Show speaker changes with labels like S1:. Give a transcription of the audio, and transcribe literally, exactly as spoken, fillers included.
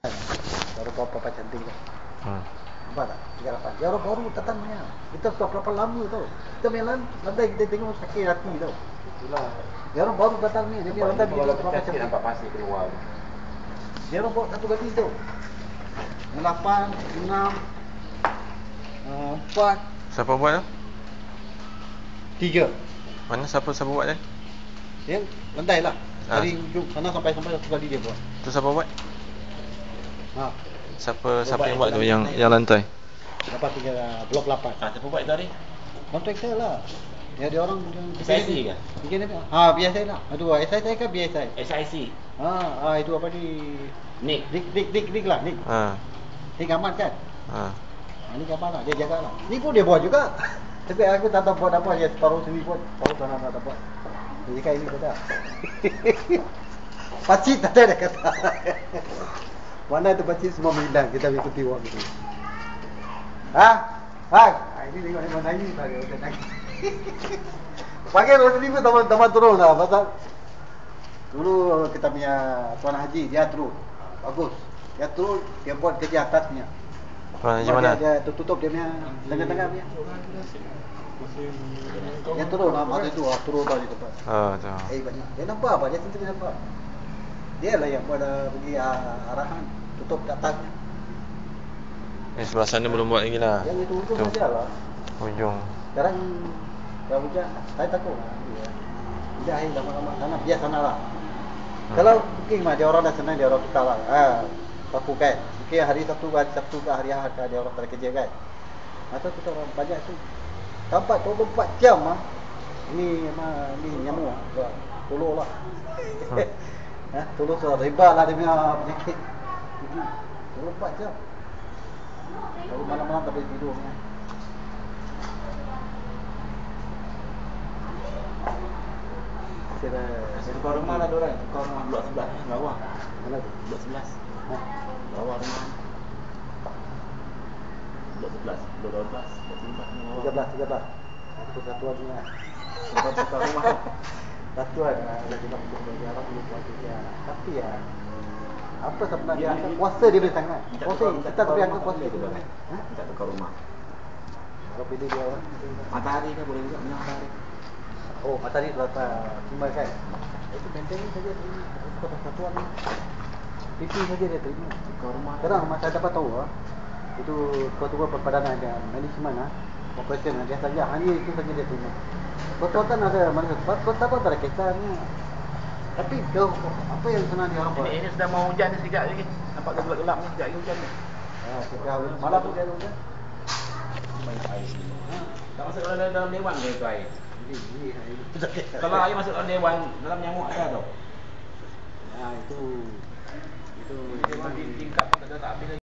S1: Baru papa cantik tu.
S2: Hmm.
S1: Nampak tak? tiga puluh lapan. Dia orang baru datangnya. Kita sudah berapa lama tau. Kita main lantai kita tengok sakit hati tau.
S3: Itulah.
S1: Dia orang baru datang ni. Dia punya lantai begini.
S3: Kalau pecah sikit nampak pasir keluar.
S1: Dia orang bawa satu kali tau. Lapan, enam, empat,
S2: Siapa buat tu?
S1: tiga.
S2: Mana siapa siapa buat dia?
S1: Dia lantai lah.
S2: Ah.
S1: Dari ujung sana sampai sampai satu kali dia buat.
S2: Tu siapa buat?
S1: Ha.
S2: Siapa siapa yang buat tu
S1: lantai.
S2: yang yang lantai?
S1: Dapat tiga blok lapan.
S3: Ah, siapa buat itu hari?
S1: Kontraktor lah. Ya dia orang yang
S3: S I C ke?
S1: Bikin apa? Ha, B S I lah. Aduh, S I C ke B S I?
S3: S I C.
S1: Ha, ah itu apa ni?
S3: Nick.
S1: Dik dik dik dik lah, Dik.
S2: Ha.
S1: Dik Ahmad kan?
S2: Ha.
S1: Ha, ni apa lah, dia jaga lah. Ni pun dia buat juga. Tapi aku tak tahu buat apa, dia separuh sini pun, separuh sana tak tahu buat. Dia cakap ini kata. Pacit tak ada dia kata. Mana tu pacit semua hilang, kita ikuti orang itu. Ha? Ha? Ini tengok ni mana ni bagi orang nangis. Pakai orang ni pun teman-teman turun lah pasal dulu kita punya tuan haji dia turun. Bagus. Dia turun, dia buat kerja atasnya.
S2: Tuan Haji mana?
S1: Dia, dia tutup dia punya tengah-tengah punya. Dia turun lah masa itu, ah, turun tadi tempat.
S2: Oh, tu.
S1: Eh banyak. Dia nampak apa? Dia sendiri nampak. Dia lah yang buat uh, bagi uh, arahan tutup ke atasnya.
S2: Ni sebelah sana belum buat lagi lah.
S1: Yang itu ujung
S2: Tu.
S1: saja lah.
S2: Ujung.
S1: Sekarang dah hujan, saya takut lah. Hujan air lama-lama sana, biar sana lah.
S2: Hmm.
S1: Kalau booking mah dia orang dah senang, dia orang tukar lah. Ah, paku kan. Booking hari Sabtu, hari Sabtu ke hari Ahad ke dia orang tak ada kerja kan. Masa tu orang banyak tu. Sampai dua puluh empat jam ah. Ini mah ni nyamuk ah. Tolong lah.
S2: Hmm.
S1: Ha, tolong sudah riba lah dia punya penyakit. dua puluh empat jam. Kalau malam-malam tak boleh tidur ni. Kira
S3: Tukar rumah lah diorang. Tukar rumah blok sebelah bawah.
S1: mana tu?
S3: Blok sebelas.
S1: Ha.
S3: Bawah rumah. Blok sebelas, blok dua belas, blok tiga belas bawah.
S1: tiga belas, tiga belas. Itu satuan ni lah.
S3: Tukar tukar rumah.
S1: Satuan lah. Lagi nak untuk bagi Arab dulu buat dia. Tapi ya, apa sebenarnya?
S3: Ya, ini-
S1: Kuasa dia boleh sangat.
S3: Minta
S1: Kuasa,
S3: tukar- minta
S1: kita
S3: tukar
S1: beri angka
S3: rumah
S1: kuasa
S3: boleh
S1: dia.
S3: juga kan?
S1: Ha?
S3: Minta tukar rumah.
S1: Kalau pilih dia orang.
S3: Matahari kan boleh juga minyak matahari.
S1: Oh, matahari rata cuma kan. Itu maintenance saja terima. Itu satuan ni. P P saja dia terima.
S3: Tukar rumah.
S1: Sekarang masa dapat tahu ah, itu ketua perpadanan dan manajemen ah, operation ah, dia saja hanya itu saja dia terima. Kota kan ada mana sebab kota pun tak ada kisahnya. Tapi jauh apa yang senang dia orang buat.
S3: Ini, ini sudah mau hujan ni sekejap lagi. Nampak gelap-gelap ni sekejap lagi hujan ni.
S1: Ah, sejauh malam pun dia ada.
S3: Banyak air sini. Tak masuk dalam, dalam dewan ke itu air?
S1: Ini ini.
S3: Kalau air masuk dalam dewan, dalam nyamuk ada tau.